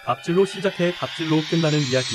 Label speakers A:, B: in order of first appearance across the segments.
A: 갑질로 시작해 갑질로 끝나는 이야기.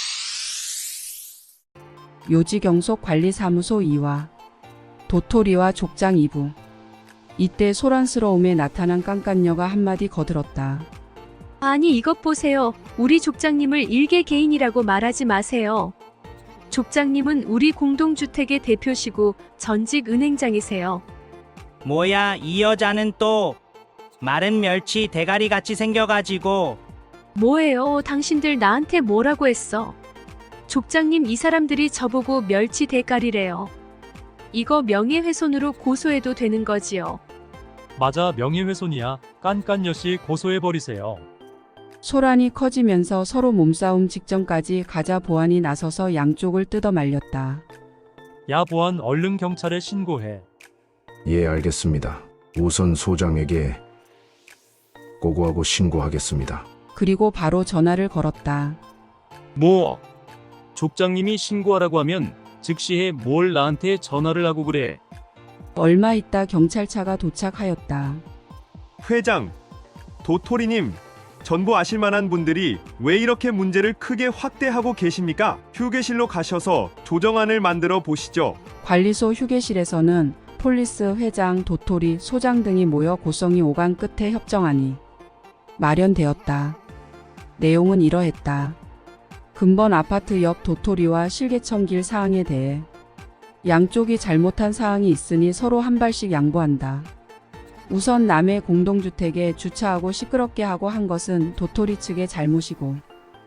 B: 요지경속 관리사무소 2화 도토리와 족장 2부. 이때 소란스러움에 나타난 깐깐녀가 한마디 거들었다.
C: 아니 이것 보세요. 우리 족장님을 일개 개인이라고 말하지 마세요. 족장님은 우리 공동주택의 대표시고 전직 은행장이세요.
D: 뭐야 이 여자는 또 마른 멸치 대가리 같이 생겨가지고.
C: 뭐예요? 당신들 나한테 뭐라고 했어? 족장님 이 사람들이 저보고 멸치 대가리래요. 이거 명예훼손으로 고소해도 되는 거지요.
E: 맞아, 명예훼손이야. 깐깐여씨 고소해버리세요.
B: 소란이 커지면서 서로 몸싸움 직전까지 가자 보안이 나서서 양쪽을 뜯어 말렸다.
E: 야 보안, 얼른 경찰에 신고해.
F: 예, 알겠습니다. 우선 소장에게 고고하고 신고하겠습니다.
B: 그리고 바로 전화를 걸었다.
G: 뭐? 족장님이 신고하라고 하면 즉시해. 뭘 나한테 전화를 하고 그래?
B: 얼마 있다 경찰차가 도착하였다.
H: 회장, 도토리님, 전부 아실만한 분들이 왜 이렇게 문제를 크게 확대하고 계십니까? 휴게실로 가셔서 조정안을 만들어 보시죠.
B: 관리소 휴게실에서는 폴리스 회장, 도토리, 소장 등이 모여 고성이 오간 끝에 협정안이 마련되었다. 내용은 이러했다. 근본 아파트 옆 도토리와 실개천길 사항에 대해 양쪽이 잘못한 사항이 있으니 서로 한 발씩 양보한다. 우선 남의 공동주택에 주차하고 시끄럽게 하고 한 것은 도토리 측의 잘못이고,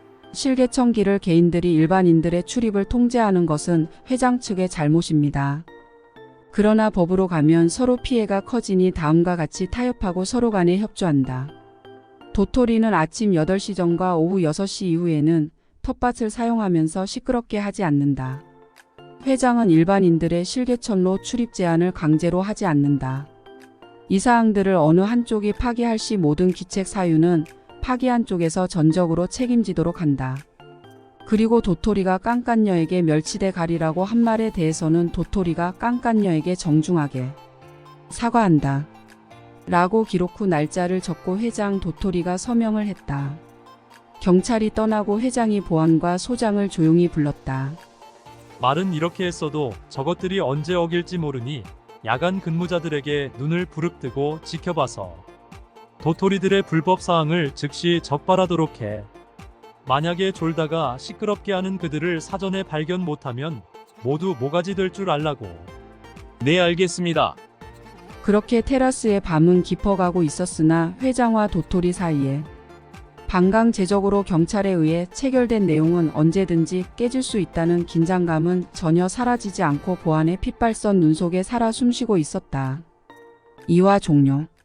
B: 실개천길을 개인들이 일반인들의 출입을 통제하는 것은 회장 측의 잘못입니다. 그러나 법으로 가면 서로 피해가 커지니 다음과 같이 타협하고 서로 간에 협조한다. 도토리는 아침 8시 전과 오후 6시 이후에는 텃밭을 사용하면서 시끄럽게 하지 않는다. 회장은 일반인들의 실개천로 출입 제한을 강제로 하지 않는다. 이 사항들을 어느 한쪽이 파기할 시 모든 기책 사유는 파기한 쪽에서 전적으로 책임지도록 한다. 그리고 도토리가 깐깐녀에게 멸치대 가리라고 한 말에 대해서는 도토리가 깐깐녀에게 정중하게 사과한다. 라고 기록 후 날짜를 적고 회장 도토리가 서명을 했다. 경찰이 떠나고 회장이 보안과 소장을 조용히 불렀다.
E: 말은 이렇게 했어도 저것들이 언제 어길지 모르니 야간 근무자들에게 눈을 부릅뜨고 지켜봐서 도토리들의 불법 사항을 즉시 적발하도록 해. 만약에 졸다가 시끄럽게 하는 그들을 사전에 발견 못하면 모두 모가지 될 줄 알라고.
G: 네, 알겠습니다.
B: 그렇게 테라스의 밤은 깊어가고 있었으나 회장과 도토리 사이에 반강제적으로 경찰에 의해 체결된 내용은 언제든지 깨질 수 있다는 긴장감은 전혀 사라지지 않고 보안의 핏발선 눈 속에 살아 숨쉬고 있었다. 2화 종료.